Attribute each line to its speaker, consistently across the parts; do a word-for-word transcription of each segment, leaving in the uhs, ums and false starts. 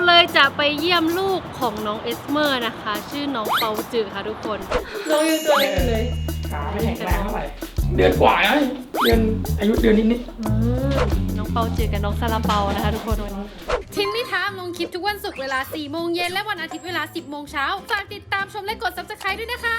Speaker 1: เลยจะไปเยี่ยมลูกของน้องเอสเมอร์นะคะชื่อน้องเปาจือค่ะทุกคนน้องอยู่ตัวเล็กเลย
Speaker 2: ขาไม่แข็งแรงเท่าไหร่เดือนกว่าแล้วเดือนอายุเดือนนิด
Speaker 1: ๆน้องเปาจือกับน้องซาลาเปานะคะทุกคนวันนี้
Speaker 3: ทิ้งนิทานลงคลิปทุกวันศุกร์เวลาสี่โมงเย็นและวันอาทิตย์เวลาสิบโมงเช้าฝากติดตามชมและกด ซับสไครบ์ ด้วยนะคะ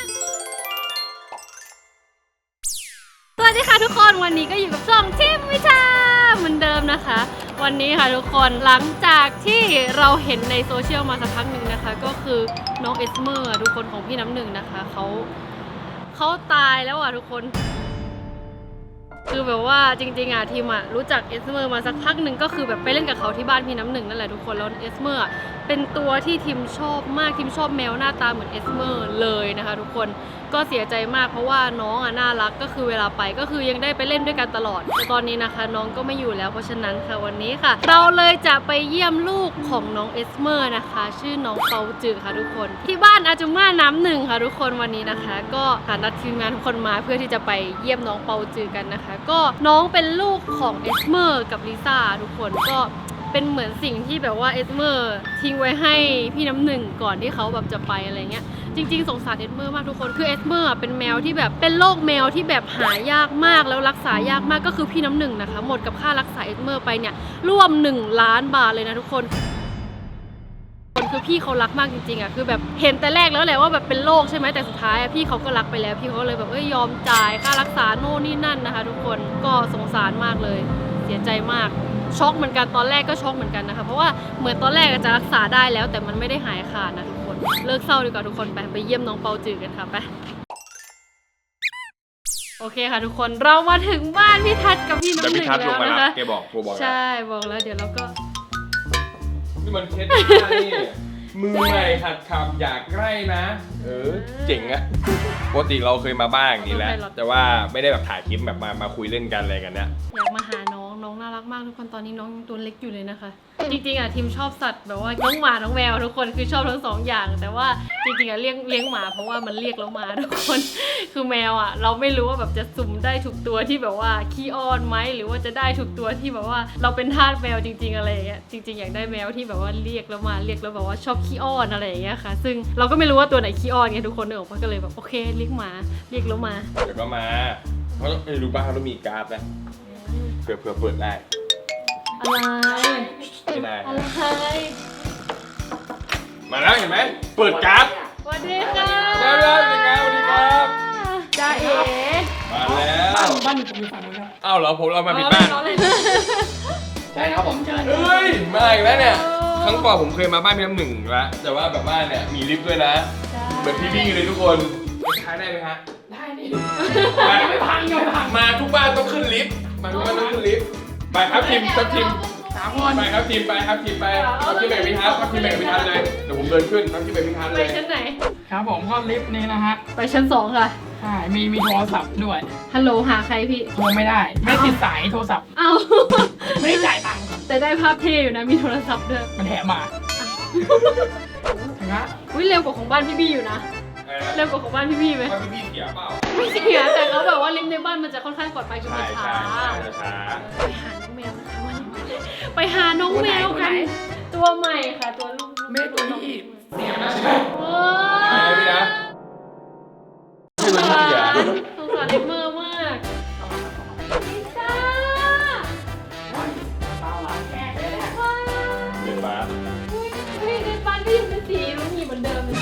Speaker 1: สวัสดีค่ะทุกคนวันนี้ก็อยู่กับช่องทิมวิชาเหมือนเดิมนะคะวันนี้ค่ะทุกคนหลังจากที่เราเห็นในโซเชียลมาสักพักหนึ่งนะคะก็คือน้องเอสเมอร์ทุกคนของพี่น้ำหนึ่งนะคะเขาเขาตายแล้วอ่ะทุกคนคือแบบว่าจริงๆอ่ะทีมอ่ะรู้จักเอสเมอร์มาสักพักหนึ่งก็คือแบบไปเล่นกับเขาที่บ้านพี่น้ำหนึ่งนั่นแหละทุกคนแล้วเอสเมอร์เป็นตัวที่ทีมชอบมากทีมชอบแมวหน้าตาเหมือนเอสเมอร์เลยนะคะทุกคนก็เสียใจมากเพราะว่าน้องอ่ะน่ารักก็คือเวลาไปก็คือยังได้ไปเล่นด้วยกันตลอดแต่ตอนนี้นะคะน้องก็ไม่อยู่แล้วเพราะฉะนั้นค่ะวันนี้ค่ะเราเลยจะไปเยี่ยมลูกของน้องเอสเมอร์นะคะชื่อน้องเปาจือค่ะทุกคนที่บ้านอาจุม่าน้ำหนึ่งค่ะทุกคนวันนี้นะคะก็นัดทีมงานทุกคนมาเพื่อที่จะไปเยี่ยมน้องเปาจือกันนะคะก็น้องเป็นลูกของเอสเมอร์กับลิซ่าทุกคนก็เป็นเหมือนสิ่งที่แบบว่าเอสเมอร์ทิ้งไว้ให้พี่น้ำหนึ่งก่อนที่เขาแบบจะไปอะไรเงี้ยจริงๆสงสารเอสเมอร์มากทุกคนคือเอสเมอร์เป็นแมวที่แบบเป็นโรคแมวที่แบบหายากมากแล้วรักษายากมากก็คือพี่น้ำหนึ่งนะคะหมดกับค่ารักษาเอสเมอร์ไปเนี่ยร่วมหนึ่งล้านบาทเลยนะทุกคนคือพี่เขารักมากจริงๆอ่ะคือแบบเห็นแต่แรกแล้วแหละว่าแบบเป็นโรคใช่ไหมแต่สุดท้ายพี่เขาก็รักไปแล้วพี่เขาเลยแบบเอ้ยยอมจ่ายค่ารักษาโน่นนี่นั่นนะคะทุกคนก็สงสารมากเลยเสียใจมากช็อกเหมือนกันตอนแรกก็ช็อกเหมือนกันนะคะเพราะว่าเหมือนตอนแรกจะรักษาได้แล้วแต่มันไม่ได้หายขาดนะทุกคนเลิกเศร้าดีกว่าทุกคนไปไปเยี่ยมน้องเปาจือกันค่ะไปโอเคค่ะทุกคนเรามาถึงบ้านพี่ทัศน์กับพี่น้ำหนึ่งแล้วนะคะ
Speaker 4: แกบอกโทรบอก
Speaker 1: ใช่บอกแล้วเดี๋ยวเราก็
Speaker 4: นี่มันเคสนี่มือใหม่หัดขับอยากใกล้นะเออเจ๋งอะปกติเราเคยมาบ้างนี่แหละแต่ว่าไม่ได้แบบถ่ายคลิปแบบมามาคุยเล่นกันอะไรกันเนี้ย
Speaker 1: อยากมาหาน้องน้องน่ารักมากทุกคนตอนนี้น้องตัวเล็กอยู่เลยนะคะจริงๆอ่ะทีมชอบสัตว์แบบว่าน้องหมาน้องแมวทุกคนคือชอบทั้งสองอย่างแต่ว่าจริงๆอ่ะเลี้ยงเลี้ยงหมาเพราะว่ามันเรียกแล้วมาทุกคนคือแมวอ่ะเราไม่รู้ว่าแบบจะสุ่มได้ถูกตัวที่แบบว่าขี้อ้อนไหมหรือว่าจะได้ถูกตัวที่แบบว่าเราเป็นทาสแมวจริงๆอะไรอย่างเงี้ยจริงๆอยากได้แมวที่แบบว่าเรียกแล้วมาเรียกแล้วแบบว่าชอบขี้อ้อนอะไรอย่างเงี้ยค่ะซึ่งเราก็ไม่รู้ว่าตัวไหนขี้อ้อนไงทุกคนเนอะก็เลยแบบโอเคเรียกหมาเรียกแล้วมา
Speaker 4: เดี๋ยวก็มาเพราะไม่รู้บ้างเขาต้องมีการ์ดนะเผื่อเผื่อเปิดได้
Speaker 1: อะไร
Speaker 4: ไม่ได้
Speaker 1: อะไร
Speaker 4: มาแล้วเห็นไหมเปิดการ์ด
Speaker 1: สวัสดีค่ะ
Speaker 4: สวัสดีครับสวัสดีครับ
Speaker 1: จ้าเอ๋
Speaker 4: มาแล้ว
Speaker 2: บ้านบ้านอยู่ฝั่งนู้นครับ
Speaker 4: อ้าวเหรอผมเรามาผิดบ้าน
Speaker 2: ใช่ครับผมเชิญ
Speaker 4: เฮ้ยมาอีกแล้วเนี่ยครั้งก่อนผมเคยมาบ้านพี่น้ำหนึ่งแล้วแต่ว่าแบบบ้านเนี่ยมีลิฟต์ด้วยนะเหมือนพี่บี้เลยทุกคนใช้ได้ไหมฮะ
Speaker 2: ได้นี่ไม่พังไม่พัง
Speaker 4: มาทุกบ้านต้องขึ้นลิฟต์มาทุกบ้านต้องขึ้นลิฟต์ไปครับทีมทัพทีม
Speaker 2: สามคน
Speaker 4: ไปครับทีมไปครับทีมไปทัพทีมแบ่งพิทัศน์ทัพทีมแบ่งพิทัศน์เลยเดี๋ยวผมเดินขึ้นทัพทีมแบ่งพิทัศน์เลย
Speaker 1: ไปชั้นไหน
Speaker 2: ครับผมก็ลิฟต์นี้นะฮะ
Speaker 1: ไปชั้นสองค่ะ
Speaker 2: ใช่มีมีโทรศัพท์ด้วย
Speaker 1: ฮัลโหลหาใครพี่
Speaker 2: โทรไม่ได้ไม่ติดสายโทรศัพท์
Speaker 1: อ้าว
Speaker 2: ไม่ได้จ่ายตังค์
Speaker 1: แต่ได้ภาพเท่อยู่นะมีโทรศัพท์ด้วย
Speaker 2: มันแถมมาถึงละ
Speaker 1: อุ้ยเร็วกว่าของบ้านพี่บี้อยู่นะเร็วกว่าของบ้านพี่บี้ไหม
Speaker 4: บ้านพี่บี้เสียเปล่า
Speaker 1: ไม่เสียแต่เขาแบบว่าลิฟต์ในบ้านมันจะค่อนข้างปลอดภัยคือมันช้า
Speaker 4: ช้า
Speaker 1: ไปหาน้องแมวนะคะวันนี้ไปหาน้องแมวกันตัวใหม่ค่ะตัวลูก
Speaker 2: แม่ตัวนี้อีก
Speaker 4: เสียนะโอ้ยไม่นะ
Speaker 1: สงสารสงสารเล็บมือมากลิซ่า
Speaker 4: เดินมา
Speaker 1: เฮ้ยในบ้านก็ยังเป็นสีรุ้งหยีเหมือนเดิมเลย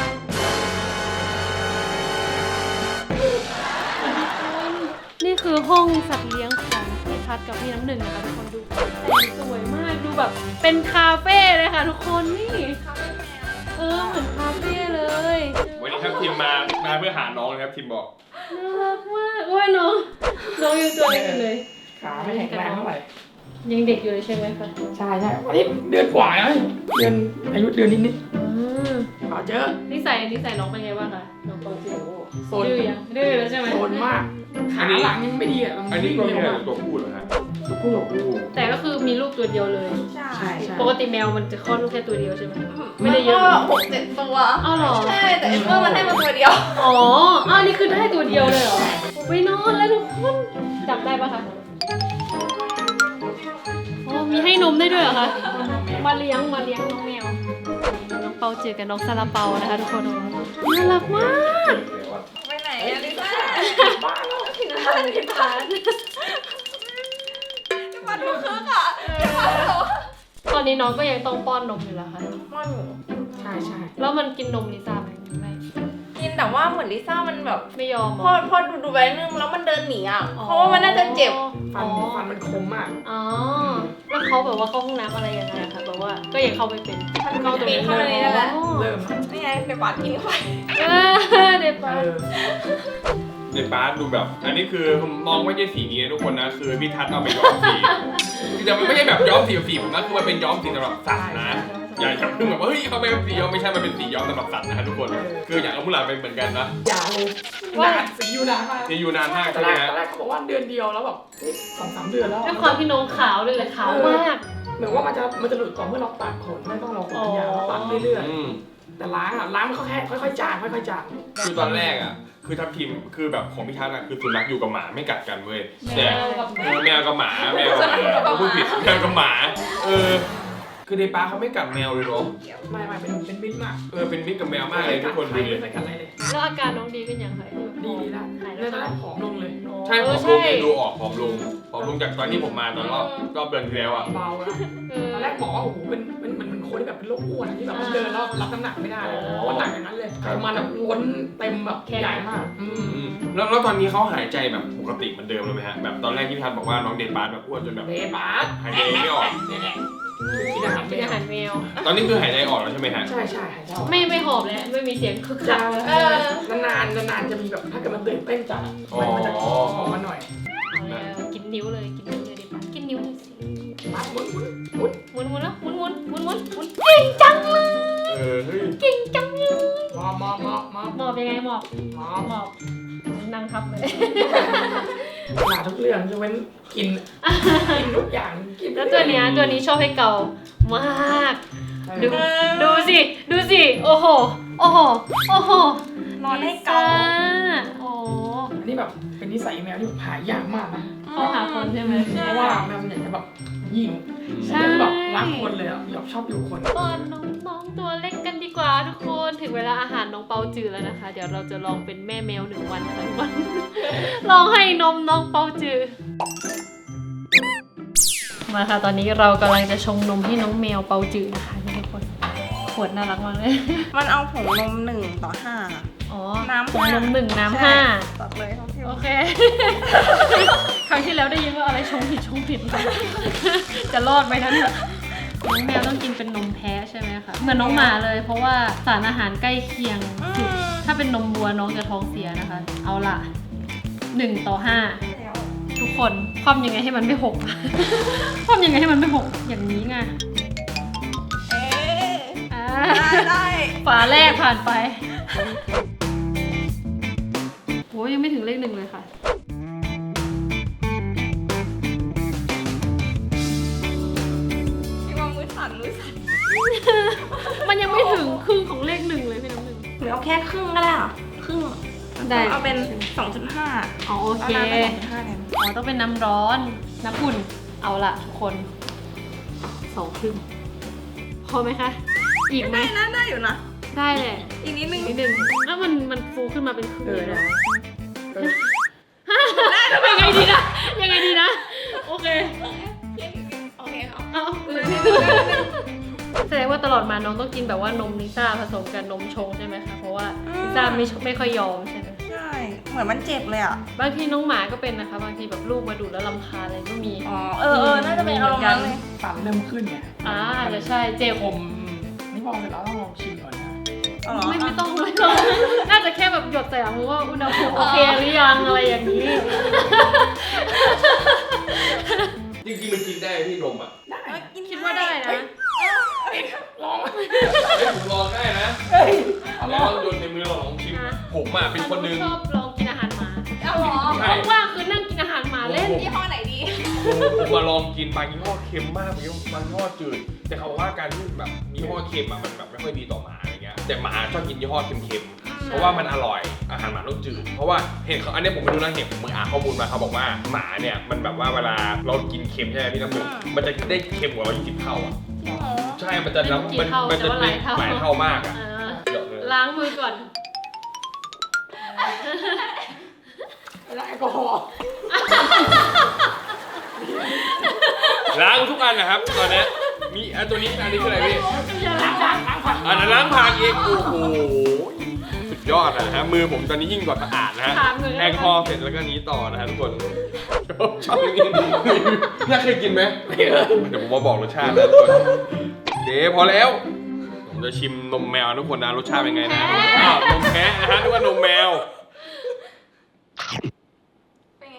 Speaker 1: นี่คือห้องสัตว์เลี้ยงของพี่ทัศน์กับพี่น้ำหนึ่งนะคะทุกคนดูแต่งสวยมากดูแบบเป็นคาเฟ่เลยค่ะทุกคนนี่เออเหมือนคาเฟ่เลย
Speaker 4: วันนี้ครับทีมมามาเพื่อหาน้องเลยครับทีมบอก
Speaker 1: น่ารักมากโอ้ยน้องน้องยังตัวเล็กอยู่เลย
Speaker 2: ขาไม่แข็งแรงเท่าไหร่
Speaker 1: ยังเด็กอยู่เลยใช่ไหมคะ
Speaker 2: ใช่ใช่วันนี้เดือนกว่าแล้วเดือนอายุเดือนนิดนิดขอเจอ
Speaker 1: นิสัยนิสัยน้องเป็นไงบ้างคะน้องปอจิโอโซนดื้อยังดื้อแล้วใช่ไหม
Speaker 2: โซนมากขาหลังยังไม่ดีอ่ะ
Speaker 4: อันนี้ก็มีตัวผู้เหรอฮะ
Speaker 2: ตัวผู้ตัวผู้
Speaker 1: แต่ก็คือมีลูกตัวเดียวเลย
Speaker 2: ใช่ใช่
Speaker 1: ปกติแมวมันจะคลอดลูกแค่ตัวเดียวใช่ไหมไม่ได้เยอะ
Speaker 5: หกเจ็ดตัว
Speaker 1: อ้าวเหรอ
Speaker 5: ใช่แต่เอ็มเมอร์มันให้มาตัวเดียว
Speaker 1: อ๋ออ้าวนี่คือได้ตัวเดียวเลยเหรอไปนอนแล้วทุกคนจับได้ปะคะอ๋อมีให้นมได้ด้วยเหรอคะ
Speaker 2: แมว
Speaker 1: มาเลี้ยงมาเลี้ยงน้องแมวน้องเปาจือกับน้องซาลาเปานะคะทุกคนน่ารักมาก
Speaker 5: ไปไหนอะลิซ่า
Speaker 2: บ้าแล้ว
Speaker 5: ถึงร้านที่ร้านจะมาดูคึกอ่ะจะมาดู
Speaker 1: ตอนนี้น้องก็ยังต้องป้อนนมอยู่เหรอคะ
Speaker 5: มันอยู่
Speaker 2: ใช่ใช่
Speaker 1: แล้วมันกินนมลิซ่าไหมไม่
Speaker 5: กินแต่ว่าเหมือนลิซ่ามันแบบ
Speaker 1: ไม่ยอมเหร
Speaker 5: พอ
Speaker 1: อ
Speaker 5: พอดูดูไปนึงแล้วมันเดินหนีอ่ะเพราะว่ามันน่าจะเจ็บ
Speaker 2: ฟันฟันมันคมมาก
Speaker 1: อ๋อแล้วเขาแบบว่าเข้าห้องน้ำอะไรยังไงอะคะแบบว่าก็ยังเข้าไม่เป็น
Speaker 5: เข้าตรงนี้เข้าตรงนี้นั่นแหละ
Speaker 2: เริ่ม
Speaker 5: นี่ไงไปปาดกินเข้าไป
Speaker 1: เออเด็ด
Speaker 2: เอ
Speaker 1: ปะ
Speaker 2: อ
Speaker 4: ในบาสดูแบบ อันนี้คือมองไม่ใช่สีนี้นะทุกคนนะคือพี่ทัศน์เอาไปย้อมสีแต่มันไม่ใช่แบบย้อมสีแบบสีผมนะคือมันเป็นย้อมสีสำหรับสัตว์นะอย่าเพิ่งแบบว่าเฮ้ยเอาไปเป็นสีย้อมไม่ใช่มันเป็นสีย้อมสำหรับสัตว์นะฮะทุกคนคืออย่างเอามุหลานเป็นเหมือนกันนะ
Speaker 2: อย่าเลยนานสีอยู่นานมาก
Speaker 4: จะอยู่นานมาก
Speaker 2: ตอ
Speaker 4: ใช่
Speaker 2: น
Speaker 4: ไห
Speaker 2: แร
Speaker 4: ม
Speaker 2: ก
Speaker 4: ฮะ
Speaker 2: ตอนแรกเขาบอกว่าเดือนเดียวแล้วแบบสองสามเดือนแล้ว
Speaker 1: ด้วยความที่น้องขาวด้วยแหละขาวมาก
Speaker 2: เหมือนว่ามันจะมันจะหลุดต่อเมื่อเราตัดขนไม่ต้องรอขนยาวเราตัดเรื่อย
Speaker 4: อืม
Speaker 2: ๆแต่ล้างอ่ะล้างมันก็แค่ค่อยๆจางค่อยๆจาง
Speaker 4: คือตอนแรกอ่ะคือทัพทีมคือแบบของพี่ทัศน์อ่ะคือสุนัขอยู่กับหมาไม่กัดกันเว้ยแต่
Speaker 1: แมวกับหมา
Speaker 4: เออแมวกับหมาแมวกับหมาเราพูดผิดแมวกับหมาเออคือในป้าเขาไม่กัดแมวเลยเนาะ
Speaker 2: ไม่ไม่เป็นเป็นมิตรมาก
Speaker 4: เออเป็นมิตรกับแมวมากเลยทุกคนดูดิ
Speaker 2: ไม่เคยกัดอะไรเลย
Speaker 1: แล้วอาการน้องดีขึ้นยังไง
Speaker 2: ดีดีแล้ว
Speaker 1: หาย
Speaker 2: เรื่
Speaker 1: แล้
Speaker 2: อ
Speaker 1: ว
Speaker 2: งตอนแร
Speaker 1: นะ
Speaker 2: กผอมลงเลย
Speaker 4: ใช่ผอมลงเองดูออกผอมลงผอมลงจากตอนที่ผมมาตอนรอบรอบเดือนที่แล้วอ่ะ
Speaker 2: เบาแล้ว
Speaker 1: เออ
Speaker 2: ตอนแรกหมอว่าโอ้โหเป็นเป็นเหมือนเป็นคนที่แบบเป็นโรคอ้วนอะที่แบบเดินแล้วรับน้ำหนักไม่ได้เลยเพราะหนักอย่างนั้นเลยไขมันแบบล้นเต็มแบบใหญ่มากอืม
Speaker 4: อืมแล้วแล้วตอนนี้เขาหายใจแบบปกติเหมือนเดิมเลยไหมฮะแบบตอนแรกที่พี่ทัศน์บอกว่าน้องเดนบาสแบบอ้วนจนแบบ
Speaker 2: เบบาส
Speaker 4: หายใจไม่ออก
Speaker 2: เนี่ยกินอาหาร
Speaker 1: กินอาหารแมว
Speaker 4: ตอนนี้คือหายใจออกแล้วใช่ไหมฮะ
Speaker 2: ใช่ใช่หายใจออก
Speaker 1: ไม่ไม่หอบแล้วไม่มีเสียงคึกคั
Speaker 2: จะ
Speaker 1: ก
Speaker 2: เออนานๆนานๆจะมีแบบถ้าเกิดมันตื่นเต้นจัดอะมันจะออกมาหน่อย
Speaker 1: เอาแล้วกินนิ้วเลยกินนิ้วเลยดิปะกินนิ้วเลยสิ
Speaker 2: มาหมุนหมุนหมุน
Speaker 1: หมุนหมุนแล้วหมุนหมุนหมุนหมุนหมุนเก่งจังเลย
Speaker 4: เออเฮ้ย
Speaker 1: เก่งจังเลย
Speaker 2: มอบมอบมอบมอบ
Speaker 1: หมอบยังไงหมอบ
Speaker 2: มอบ
Speaker 1: หมอบนั่งทับเลย
Speaker 2: หาทุกเรื่องยกเว้นกินกินทุกอย่างกิน
Speaker 1: แล้วตัวเนี้ยตัวนี้ชอบให้เกามาก ดูดูสิ ดูสิ โอ้โห โอ้โห โอ้โห
Speaker 5: นอนให้เกา
Speaker 1: โอ้
Speaker 2: อันนี้แบบเป็นนิสัยแมวที่หายากมากนะ
Speaker 1: เข้าหาคนใช่ไหม
Speaker 2: เพราะว่าแมวมันอยากจะแบบยิง
Speaker 1: ใช่
Speaker 2: แบบรักคนเลยอ่ะแบบชอบอยู่คน
Speaker 1: ป้อนน้องๆตัวเล็กกันดีกว่าทุกคน ถึงเวลาอาหารน้องเปาจือแล้วนะคะ เดี๋ยวเราจะลองเป็นแม่แมวหนึ่งวันนะคะทุกคน ลองให้นมน้องเปาจือ มาค่ะ ตอนนี้เรากำลังจะชงนมให้น้องแมวเปาจือนะคะทุกคน ขวดน่ารักมากเลย
Speaker 5: มันเอาผงนมหนึ่งต่อห้า
Speaker 1: อ๋อ
Speaker 5: น้ำ
Speaker 1: ผงนม
Speaker 5: ห้า
Speaker 1: หนึ่งน้ำห้า
Speaker 5: ตัดเลยครับพี่
Speaker 1: โอเค ครั้งที่แล้วได้ยินว่าอะไรชงผิดชงผิด จะรอดไหมนั้นน้องแมวต้องกินเป็นนมแพ้ใช่ไหมคะ เหมือนน้องหมาเลย เพราะว่าสารอาหารใกล้เคียงสุด ถ้าเป็นนมวัวน้องจะท้องเสียนะคะ เอาล่ะหนึ่งต่อห้า
Speaker 5: แล้ว
Speaker 1: ทุกคนคว่ำยังไงให้มันไม่หก คว่ำยังไงให้มันไม่หก อย่างนี้ไง
Speaker 5: เอ๊ะ
Speaker 1: อ่า
Speaker 5: ได้ได้
Speaker 1: ฝาแรกผ่านไปโอ้ยยังไม่ถึงเลขหนึ่งเลยค่ะ
Speaker 5: พี่ว่ามือสั่นมือสั่น
Speaker 1: มันยังไม่ถึงครึ่งของเลขหนึ่งเลยพี่น้ำหนึ่ง
Speaker 5: หรือเอาแค่ครึ่งก็ได้เหรอครึ่ง
Speaker 1: ได้
Speaker 5: เอาเป็น สองจุดห้า
Speaker 1: อ๋อโอ
Speaker 5: เอา
Speaker 1: เค
Speaker 5: น้ำเป็นสองจุดห้าแทน
Speaker 1: อ๋อต้องเป็นน้ำร้อน น้ำอุ่น เอาละทุกคนสองครึ่งพอไหมคะ อีกไหม
Speaker 5: ได้นะได้อยู่นะ
Speaker 1: ได้แหละ
Speaker 5: อีกนิดนึง
Speaker 1: นิดนึงแล้วมันมันฟูขึ้นมาเป็นครึ่ง
Speaker 2: เออ
Speaker 1: เลย
Speaker 2: นะ
Speaker 1: นะ
Speaker 2: เออ
Speaker 1: ยังไงดีนะ ยังไงดีนะ โอเค
Speaker 5: โอเคครับ
Speaker 1: เอาแสดงว่าตลอดมาน้องต้องกินแบบว่านมลิซ่าผสมกับนมชงใช่ไหมคะ เพราะว่าลิซ่าไม่ไม่ค่อยยอมใช่ไหม
Speaker 5: ใช่ เหมือนมันเจ็บเลยอ่ะ
Speaker 1: บางทีน้องหมาก็เป็นนะคะ บางทีแบบลูกมาดูดแล้วรำคาญอะไรก็มี
Speaker 5: อ๋อ เออเออน่าจะเป็นอารมณ์นั้นเลย
Speaker 2: ฟันเริ่มขึ้นเนี่ย
Speaker 1: อ่าอาจจะใช่เจ็บ
Speaker 2: ผมนี่พอเสร็จแล้วต้องลองชิมก่อนนะ
Speaker 5: เอาเหรอ
Speaker 1: ไม่ไม่ต้องไม่ต้องน่าจะแค่แบบหยดใส่มือว่าอุณหภูมิโอเคหรือยังอะไรอย่างนี้
Speaker 4: จริงๆมันกินได้พี่นมอ่ะ
Speaker 2: ได้
Speaker 5: เอ้ยกิน
Speaker 1: คิดว่าได้นะ
Speaker 2: ลอง
Speaker 4: เฮ้ยผมลองได้นะ
Speaker 2: เฮ้ยเอา
Speaker 4: ล
Speaker 2: ล
Speaker 4: อ
Speaker 2: อง
Speaker 4: งโยนในมือลองชิม
Speaker 1: อ่ะ
Speaker 4: ผมอ่ะเป็นคนหนึง
Speaker 1: ชอบลองกินอาหารหมา
Speaker 5: เอาเหรอ
Speaker 4: ใช่
Speaker 1: ว่างๆคือนั่งกินอาหารหมาเล่น
Speaker 5: ยี่ห้อไหนดี
Speaker 4: ผมมาลองกินบางยี่ห้อเค็มมากบางยี่ห้อบางยี่ห้อจืด แต่เขาบอกว่าการที่แบบยี่ห้อเค็มอะมันแบบไม่ค่อยดีต่อหมาอะไรเงี้ย แต่หมาชอบกินยี่ห้อเค็มๆ เพราะว่ามันอร่อย อาหารหมาต้องจืด เพราะว่าเห็นเขาอันนี้ผมไม่รู้นะเห็นผมมึงอ่านข้อมูลมาเขาบอกว่าหมาเนี่ยมันแบบว่าเวลาเรากินเค็มใช่ไหมพี่น้ำหนึ่งมันจะได้เค็มกว่าเรายี่สิบเท่าอ่ะ
Speaker 5: จริงเหรอ
Speaker 4: ใช่มันจะ
Speaker 1: ไม่รู้กี่
Speaker 4: มัน
Speaker 1: เท่า
Speaker 4: มัน
Speaker 1: แต่
Speaker 4: จะ
Speaker 1: ว่าหลายเท่า
Speaker 4: หลายเท่ามากอ่ะ
Speaker 1: อ่า
Speaker 4: เดี๋ยวเลย
Speaker 1: ล้างมือก่อน
Speaker 2: แล้วแอลกอฮอล์
Speaker 4: ล้างทุกอันนะครับตอนนี้มีอันตัวนี้อันนี้คืออะไรพี่
Speaker 1: อย่า
Speaker 2: ล้า
Speaker 1: ล้าง ง
Speaker 2: ผักล้างผัก
Speaker 4: อันนั้นล้างผักเองโอ้โหสุดยอดนะฮะมือผมตอนนี้ยิ่งกว่าสะอาดนะฮะแอลกอฮอล์เสร็จแล้วก็นี้ต่อนะฮะทุกคนชอบอย่างนี้น่าเคยกินไหมไม่เคยเดี๋ยวผมมาบอกรสชาตินะทุกคนเดี๋ยวพอแล้วผมจะชิมนมแมวทุกคนนะรสชาติเป็นไงนะอ้าวนมแพะนะฮะนึกว่านมแมว
Speaker 5: เป็นไง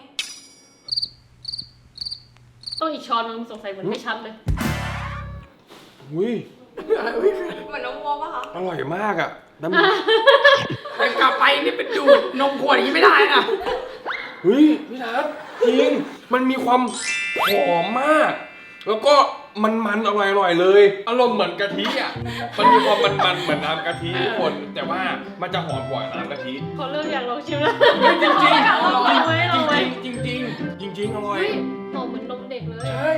Speaker 1: ต้องอีกช้อนนึงสงสัยเหมือนไม่ชัดเลย
Speaker 4: อุ้ย
Speaker 5: เหมือนน้องวัวปะคะ
Speaker 4: อร่อยมากอ่ะน้ำ
Speaker 2: แต่กลับไปนี่เป็นดูดนมขวดอย่างนี้ไม่ได้นะ
Speaker 4: เฮ้ยพี่ทัศน์จริงมันมีความหอมมาก แล้วก็มันมันๆอร่อยอร่อยๆเลยอารมณ์เหมือนกะทิอ่ะมันมีความมันมันๆเหมือนน้ำกะทิทุกคนแต่ว่ามันจะหอมกว่าน้ำกะทิ
Speaker 1: เขาเริ่มอยากลองชิมแล้ว
Speaker 4: จริงจริง
Speaker 1: ลองไว้ลองไว้
Speaker 4: จริงจริงจริงจริงๆอร่อย
Speaker 1: เฮ้ยหอมเหมือนนมเด็กเลย
Speaker 4: ใช่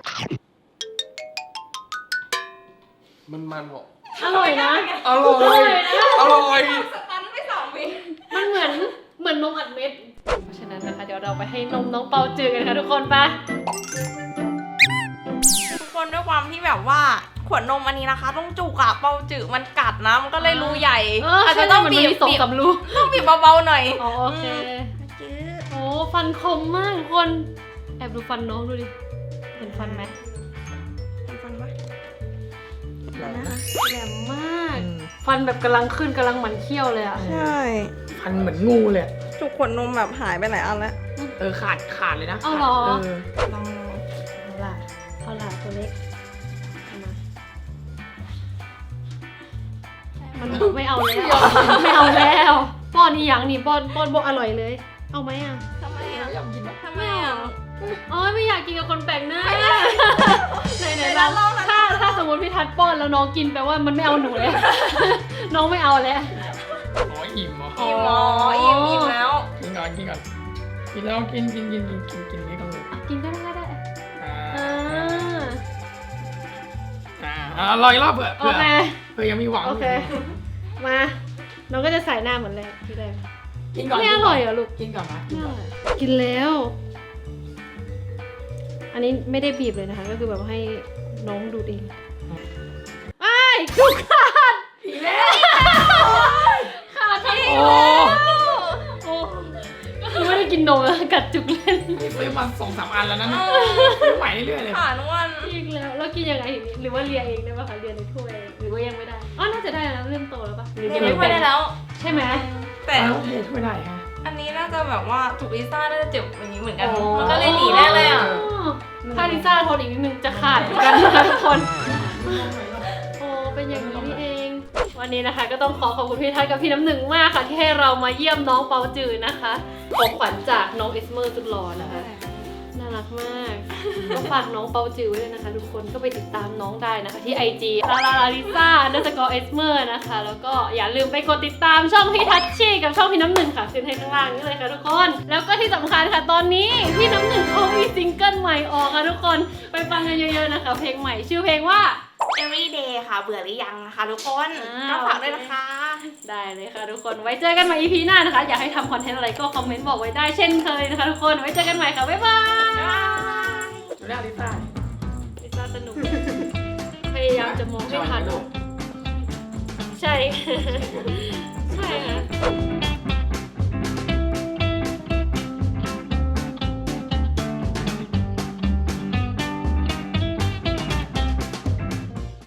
Speaker 4: มันมันๆหอม
Speaker 1: อร่อยนะ
Speaker 4: อร่อยอร่อย
Speaker 5: สตันไปสองวิ
Speaker 1: มันเหมือนเหมือนนมอัดเม็ด เพราะฉะนั้นนะคะเดี๋ยวเราไปให้นมน้องเปาจืดกันค่ะทุกคนไป
Speaker 5: ทุกคนด้วยความที่แบบว่าขวดนมอันนี้นะคะ ต้องจุกอะเปาจืดมันกัดนะมันก็เลยรูใหญ่
Speaker 1: เออ
Speaker 5: อาจ
Speaker 1: ใช่
Speaker 5: จะต้อง
Speaker 1: มัน
Speaker 5: บี
Speaker 1: มี
Speaker 5: บ
Speaker 1: สอง
Speaker 5: บีบ
Speaker 1: สามรู
Speaker 5: ต้องบีบเบาๆหน่อย
Speaker 1: อ๋อโอเค โอ้ฟันคมมากทุกคน แอบดูฟันน้องดูดิ เห็นฟันไหม
Speaker 5: ฟันปะ
Speaker 1: แหลมมาก ฟันแบบกำลังขึ้นกำลังหมันเขี้ยวเลยอ่ะ
Speaker 5: ใช่
Speaker 2: พันเหมือนงูเลย
Speaker 5: จุกขวดนมแบบหายไปหลายอันแล้ว
Speaker 2: เออขาดขาดเลยนะ
Speaker 1: เอาเหรอ
Speaker 2: เออ
Speaker 5: ลอง
Speaker 1: เอาล่ะเอาล่ะตัวเล็กเอามามันไม่เอาแล้ว ไม่เอาแล้ว ป้อนอีหยังนี่ป้อนป้อนบอกอร่อยเลย เอาไหมอ่ะ
Speaker 5: ทำไมอ่ะ
Speaker 2: อยากกินปะ
Speaker 5: ทำไมอ่ะ
Speaker 1: อ๋อไม่อยากกินกับคนแปลกหน้าไหนไหน
Speaker 5: ไหน
Speaker 1: ลอง
Speaker 5: ลองนะ
Speaker 1: ถ้าถ้าสมมติพี่ทัดป้อนแล้วน้องกินแปลว่ามันไม่เอาหนูแล้ว น้องไม่เอาแล้ว
Speaker 2: อ๋ออิ่มเหรอ
Speaker 5: อิ่มอ๋ออิ่มอิ่มแล้ว
Speaker 2: กินก่อนกินก่อนกินแล้วกินกินกินกินกินกินนี่ก่อนเลย
Speaker 1: กินก็ได้ก็ได้
Speaker 2: อ่า
Speaker 1: อ่า
Speaker 2: อ่าอ่ารออีกรอบเผื่อ
Speaker 1: โอ
Speaker 2: เผื่อ
Speaker 1: เค
Speaker 2: เผื่อยังมีหวัง
Speaker 1: โอเค มา น้องก็จะใส่หน้าเหมือนแรกที่แรก
Speaker 2: กินก่อน
Speaker 1: ไม่อร่อยเหรอลูก
Speaker 2: กินก่อนนะกิน
Speaker 1: ไม่อ
Speaker 2: ก่อน
Speaker 1: ร่อยกินแล้ว อันนี้ไม่ได้บีบเลยนะคะ ก็คือแบบให้น้องดูดเองไอ้ายดูขาด
Speaker 2: อีกแล้ว
Speaker 1: ขาดทั้งหม
Speaker 2: โอ้
Speaker 1: ดโอ้ก็คือไม่ได้กินนมแล้วกัดจุกเล่น
Speaker 2: นี่ซื้อมาสองสามอันแล้วนะเนี่ยซื้อใหม่เรื่อยๆเลย
Speaker 5: ผ่านวัน
Speaker 1: อีกแล้วแล้วกินยังไงหรือว่าเลียเองได้ป่ะคะเลียในถ้วยหรือว่ายังไม่ได้อ๋อน่าจะได้แล้วเริ่มโตแล้วป่ะหรือ
Speaker 5: เรีย
Speaker 1: ยั
Speaker 5: น
Speaker 1: ง
Speaker 5: ไม่
Speaker 1: ไม่
Speaker 5: ค่อยได้
Speaker 1: เป็น
Speaker 5: แล้ว
Speaker 1: ใช่ไหม
Speaker 5: แต่
Speaker 2: แต่โอเคช่วยได้ฮะ
Speaker 5: อันนี้น่าจะแบบว่าถูกลิซ่าน่าจะเจ็บอย่างนี้เหมือนกัน มันก็เลยหนีได้เลยอ่ะ
Speaker 1: ถ้าลิซ่าทนอีกนิดนึงจะขาดเหมือนกันนะคะทุกคนโอ้เป็นอย่างนี้นี่เอง วันนี้นะคะก็ต้องขอขอบคุณพี่ทัศน์กับพี่น้ำหนึ่งมากค่ะ ที่ให้เรามาเยี่ยมน้องเปาจืดนะคะของขวัญจากน้องเอสเมอร์สุดหล่อนะคะน่ารักมากก็ฝากน้องเปาจืดไว้ด้วยนะคะ ทุกคนก็ไปติดตามน้องได้นะคะ ที่ ไอ จี ลาลาลาลิซ่าเดอร์สกอร์เอสเมอร์นะคะ แล้วก็อย่าลืมไปกดติดตามช่องพี่ทัชชี่กับช่องพี่น้ำหนึ่งค่ะขึ้นให้ข้างล่างนี้เลยค่ะทุกคน แล้วก็ที่สำคัญค่ะตอนนี้พี่น้ำหนึ่งเขามีซิงเกิลใหม่ออกค่ะทุกคนไปฟังกันเยอะๆนะคะ เพลงใหม่ชื่อเพลงว่า
Speaker 5: everyday ค่ะ เบื่อหรือยังนะคะทุกคน
Speaker 1: อ่า
Speaker 5: ก็ฝากด้วยนะคะ
Speaker 1: ได้เลยค่ะทุกคนไว้เจอกันใหม่ อี พี หน้านะคะ อยากให้ทำคอนเทนต์อะไรก็คอมเมนต์บอกไว้ได้เช่นเคยนะคะทุกคนไว้เจอกันใหม่ค่ะบ๊ายบาย
Speaker 2: ช่วยได้ลิซ่า
Speaker 1: ลิซ่าสนุก พยายามจะมองให้ทัน
Speaker 2: ลูก
Speaker 1: ใช่